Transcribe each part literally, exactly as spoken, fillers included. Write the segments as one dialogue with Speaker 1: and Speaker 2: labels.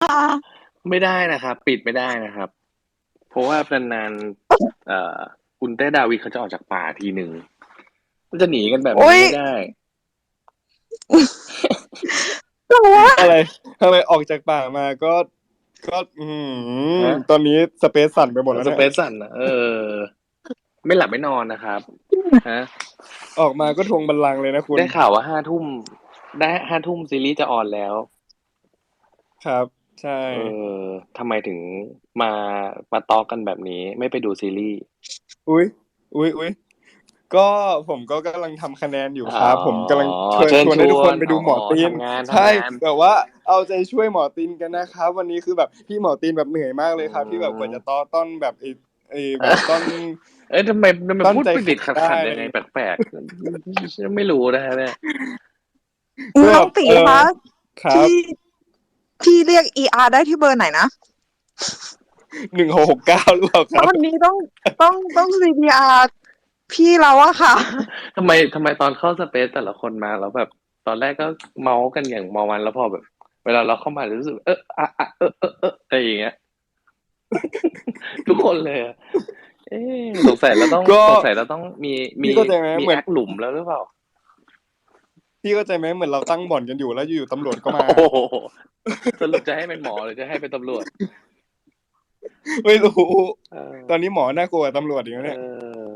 Speaker 1: ไม่ได้นะครับปิดไม่ได้นะครับ เพราะว่านานๆเอ่อคุณเต้ดาวีเขาจะออกจากป่าทีหนึ่งมันจะหนีกันแบบ
Speaker 2: โอ้ย
Speaker 1: นี้ไม่ได้
Speaker 2: แต่ว่า
Speaker 3: อะไรทำไมออกจากป่ามาก็ก็อืม
Speaker 1: ฮะ
Speaker 3: ตอนนี้สเปซสั่นไปหมดแล้วเนี่ย
Speaker 1: สเปซสันนะเออไม่หลับไม่นอนนะครับฮะ
Speaker 3: ออกมาก็ทวงบัลลังก์เลยนะคุณ
Speaker 1: ได้ข่าวว่าห้าทุ่มได้ห้าทุ่มซีรีส์จะออนแล้ว
Speaker 3: ครับใช่
Speaker 1: เออทำไมถึงมามาตอกันแบบนี้ไม่ไปดูซีรีส์
Speaker 3: อุ้ยอุ้ยอุ้ยก็ผมก็กำลังทำคะแนนอยู่
Speaker 1: อ๋อ
Speaker 3: ครับผมกำลังชวน
Speaker 1: เชิญช
Speaker 3: ชวนให้ทุก
Speaker 1: วนอ๋อ
Speaker 3: คนไปดูหมอตีน
Speaker 1: ทำงาน
Speaker 3: ใช่
Speaker 1: ทำงาน
Speaker 3: แต่ว่าเอาใจช่วยหมอตีนกันนะครับวันนี้คือแบบพี่หมอตีนแบบเหนื่อยมากเล
Speaker 1: อื
Speaker 3: ยครับที่แบบกว่าจะต้
Speaker 1: ม
Speaker 3: อต้อนแบบไอ้ไอ้แบบต้อน
Speaker 1: เอ้ยทำไมทำไม
Speaker 3: ต้อนใจ
Speaker 1: พูดไปติด
Speaker 3: แข็งได้
Speaker 1: ขัดขัดยังไง
Speaker 3: อะไรอย่างเงี้ย
Speaker 1: แปลกๆไม่รู้นะฮะเนี่ย
Speaker 3: ก็
Speaker 2: น้องตี
Speaker 3: เออ
Speaker 2: คะ
Speaker 3: ครับ
Speaker 2: พี่พี่เรียก อี อาร์ ได้ที่เบอร์ไหนนะ
Speaker 3: หนึ่งหกหกเก้าหรือเปล่าค
Speaker 2: ต
Speaker 3: รับ
Speaker 2: อนนี้ต้องต้องต้อง ซี พี อาร์ พี่เราอะค่ะ
Speaker 1: ทำไมทำไมตอนเข้าสเปซแต่ละคนมาแล้วแบบตอนแรกก็เมาส์กันอย่างเมามันแล้วพอแบบเวลาเราเข้ามารู้สึกเอออะอะเออเออเอออะไรอย่างเงี้ยทุกคนเลยอะเอ๊ะสงสัยเราต้อง
Speaker 3: ก็
Speaker 1: สงสัยเราต้องมีมี
Speaker 3: พี่เข้าใจไหม
Speaker 1: มี
Speaker 3: เหมือน
Speaker 1: แอคหลุมแล้วหรือเปล่า
Speaker 3: พี่เข้าใจไหมเหมือนเราตั้งบ่อนกันอยู่แล้วอยู่ๆตำรวจก็มา
Speaker 1: โอ้โหสรุปจะให้เป็นหมอหรือจะให้เป็นตำรวจ
Speaker 3: ไม่รู้
Speaker 1: เออ
Speaker 3: ตอนนี้หมอน่ากลัวกว่าตำรวจอีกแล้ว
Speaker 1: เอ
Speaker 3: เนี่ย
Speaker 1: อ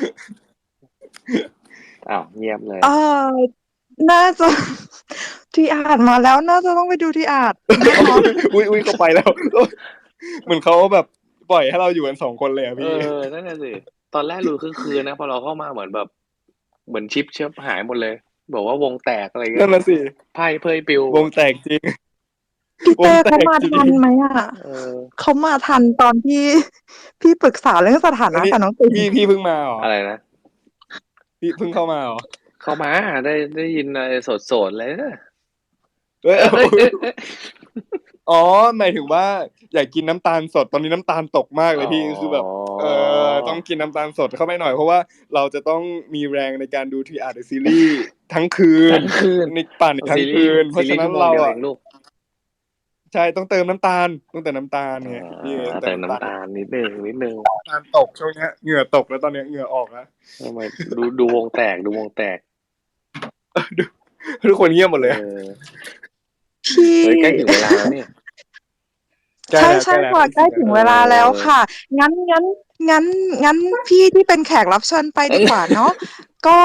Speaker 1: อ้าวเงียบเลย
Speaker 2: เออน่าจะที่อ่านมาแล้วน่าจะต้องไปดูที่อ่านนะคะ
Speaker 3: อุ้ยอุ้ยเขาไปแล้วเหมือนเขาแบบปล่อยให้เราอยู่กันสองคนเลยอะ
Speaker 1: เอ
Speaker 3: พี่
Speaker 1: อนั่นน่ะสิตอนแรกดูคึกคืนนะพอเราเข้ามาเหมือนแบบเหมือนชิปเชิบหายหมดเลยบอกว่าวงแตกอะไรเงี้ย
Speaker 3: นั่นน่ะสิ
Speaker 1: ไพ่เพยปลิว
Speaker 3: วงแตกจริง
Speaker 2: พี่เต้
Speaker 3: วงแต
Speaker 2: เขามา
Speaker 3: กจริง
Speaker 2: ทันไหมอะ
Speaker 1: เออ
Speaker 2: เขามาทันตอนที่พี่ปรึกษาเรื่องสถา
Speaker 3: อันนี้
Speaker 2: นะกับน้องตี
Speaker 3: พี่พี่เพิ่งมาเหรอ
Speaker 1: อะไรนะ
Speaker 3: พี่เพิ่งเข้ามาเหรอ
Speaker 1: เข้ามาได้ได้ยินอะไรโสดๆเลยนะ
Speaker 3: เอ้ย
Speaker 1: เอ้ยเอ้ยเอ้ย
Speaker 3: อ๋อหมายถึงว่าอยากกินน้ำตาลสดตอนนี้น้ำตาลตกมากเลย
Speaker 1: อ๋อ
Speaker 3: พี่คือแบบเออต้องกินน้ำตาลสดเข้าไปหน่อยเพราะว่าเราจะต้องมีแรงในการดูทีอาร์ซีรีส์ทั้งคืน
Speaker 1: ทั้งคืน
Speaker 3: ในป่านอีกทั้
Speaker 1: ซีรีส์
Speaker 3: งคืนเพราะฉะนั้น
Speaker 1: ซีรีส์ชั่วโมง
Speaker 3: เราอ่ะ
Speaker 1: เดียวเองลูก
Speaker 3: ใช่ต้องเติมน้ำตาลต้องเติมน้ำตาล
Speaker 1: อ่
Speaker 3: ไงพี่
Speaker 1: า
Speaker 3: เติมน้ำตาล
Speaker 1: เติมน้ำตาลนิดนึงนิดนึง
Speaker 3: น้ำตาลตกช่วงเนี้ยเหงื่อตกแล้วตอนเนี้ยเหงื่อออกแล้ว
Speaker 1: ทำไมดูดูวงแตกดูวงแตก
Speaker 3: ทุกคนเงียบหมด
Speaker 1: เอ
Speaker 3: เลยอะ
Speaker 1: อ
Speaker 2: พี่
Speaker 1: เฮ้ยใกล้ถึงเวลาแล้วนี่
Speaker 3: ใกล้
Speaker 2: ใช่
Speaker 3: แล้วใกล้แล้ว
Speaker 2: ใช่ค่ะ
Speaker 3: อีกสิบนา
Speaker 2: ใกล้ถึง
Speaker 1: เอ
Speaker 2: เวลาแล้ว
Speaker 1: อ
Speaker 2: ค่ะงั้นงั้นงั้นงั้นพี่ที่เป็นแขกรับเชิญไปดีกว่าเนาะก็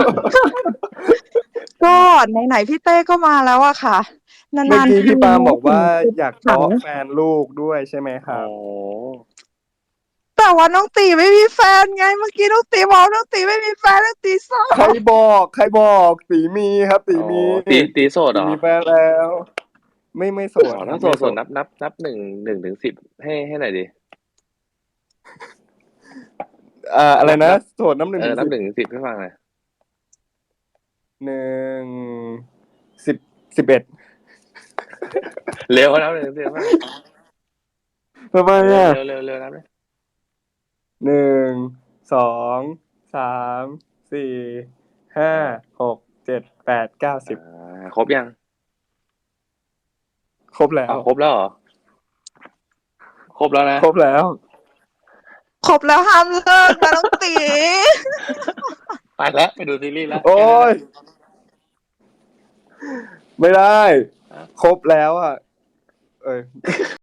Speaker 2: ก็ไหนๆพี่เต้ก็มาแล้วอะค่ะ
Speaker 3: เมื่อ
Speaker 2: นานๆที
Speaker 3: กี้พี่ปาล์ม
Speaker 2: เนาะ
Speaker 3: บอกว่า
Speaker 2: ถึงจะ
Speaker 3: อยาก
Speaker 2: ขัง
Speaker 3: เตาะแฟนลูกด้วยใช่ไหมค
Speaker 1: อ๋อ
Speaker 3: รับ
Speaker 2: แต่ว่าน้องตีไม่มีแฟนไงเมื่อกี้น้องตีบอกน้องตีไม่มีแฟนน้องตีเศร้า
Speaker 3: ใครบอกใครบอกตีมีครับตี
Speaker 1: อ๋อ
Speaker 3: มี
Speaker 1: ตีตีโสดเหรอ
Speaker 3: ตีมีแฟนแล้วไม่ไม่โสด
Speaker 1: อ๋อถ้าโสดโส
Speaker 3: ครับไม่โสด
Speaker 1: ดนับนับนับหนึ่งหนึ่งถึงสิบให้ให้หน่อยดิ
Speaker 3: อ่าอะไรนะ
Speaker 1: นับนับ
Speaker 3: โสดน้ำหนึ่
Speaker 1: เออนับ
Speaker 3: งถึงสิบ
Speaker 1: หนึ่งถึงสิบให้ฟังหน่อย
Speaker 3: หนึ่งสิบสิบเอ็ด
Speaker 1: เร็วนับหนึ่งถึงสิบให้ฟัง
Speaker 3: ทำไม
Speaker 1: เร็ว
Speaker 3: อ่ะ
Speaker 1: เร็วเร็วเร็วนับเลย
Speaker 3: หนึ่งสองสามสี่ห้า
Speaker 1: อ่า
Speaker 3: หกเจ็ดแปดเก้าสิ
Speaker 1: อ่
Speaker 3: บ
Speaker 1: าครบยัง
Speaker 3: ครบแล้ว
Speaker 1: อ้าวครบแล้วเหรอครบแล้วนะ
Speaker 3: ครบแล้ว
Speaker 2: ครบแล้วห้ามเลิกนะน้องตี
Speaker 1: ไปแล้วไปดูซีรีส์แล้ว
Speaker 3: โอ้
Speaker 1: แค่นั้นแห
Speaker 3: ย
Speaker 1: ละ
Speaker 3: ไม่ได้
Speaker 1: อ่ะ
Speaker 3: ครบแล้วอ่ะเอ้ย